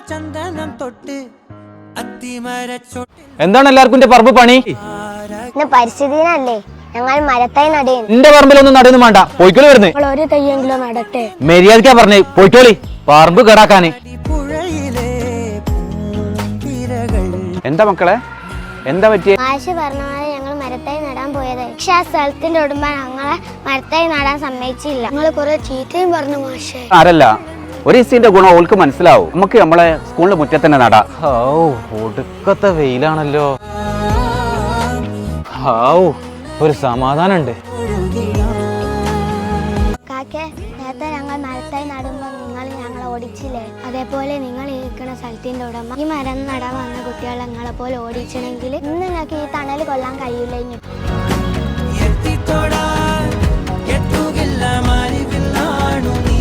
എന്താണ് എല്ലാവർക്കും പറമ്പ് പണി? പരിസ്ഥിതി ദിനല്ലേ, ഞങ്ങൾ മരത്തൈ നടയും. എന്റെ പറമ്പിലൊന്നും നടയൊന്നും വേണ്ട, പോയിക്കോളി വരുന്നേ. ഒരു തയ്യെങ്കിലും നടട്ടെ. മര്യാദക്കാ പറഞ്ഞേ, പോയിക്കോളി. പറമ്പ് കേടാക്കാന്. എന്താ മക്കളെ, എന്താ പറ്റിയ? മാഷ് പറഞ്ഞ പോലെ ഞങ്ങൾ മരത്തൈ നടാൻ പോയത്, പക്ഷെ ആ സ്ഥലത്തിന്റെ ഉടമ ഞങ്ങളെ മരത്തൈ നടാൻ സമ്മതിച്ചില്ല. ഞങ്ങൾ കുറെ ചീത്തയും പറഞ്ഞു മാഷെ. ആരല്ല, ഒരു ഇസിന്റെ ഗുണം ഓൾക്ക് മനസ്സിലാവും. നമുക്ക് നമ്മളെ സ്കൂളിന്റെ മുറ്റത്ത് തന്നെ നടാം. ഒടുക്കത്തെ വെയിലാണല്ലോ. ഒരു സമാധാനമുണ്ട്. കാക്കെ, നേരത്തെ ഞങ്ങൾ മരത്തൈ നടുമ്പോ നിങ്ങൾ ഞങ്ങളെ ഓടിച്ചില്ലേ, അതേപോലെ നിങ്ങൾ ഇരിക്കുന്ന സ്ഥലത്തിന്റെ ഉടമ ഈ മരം നടാൻ വന്ന കുട്ടികളെ ഞങ്ങളെ പോലെ ഓടിച്ചണെങ്കിൽ ഇന്ന് ഞങ്ങൾക്ക് ഈ തണൽ കൊള്ളാൻ കഴിയില്ല.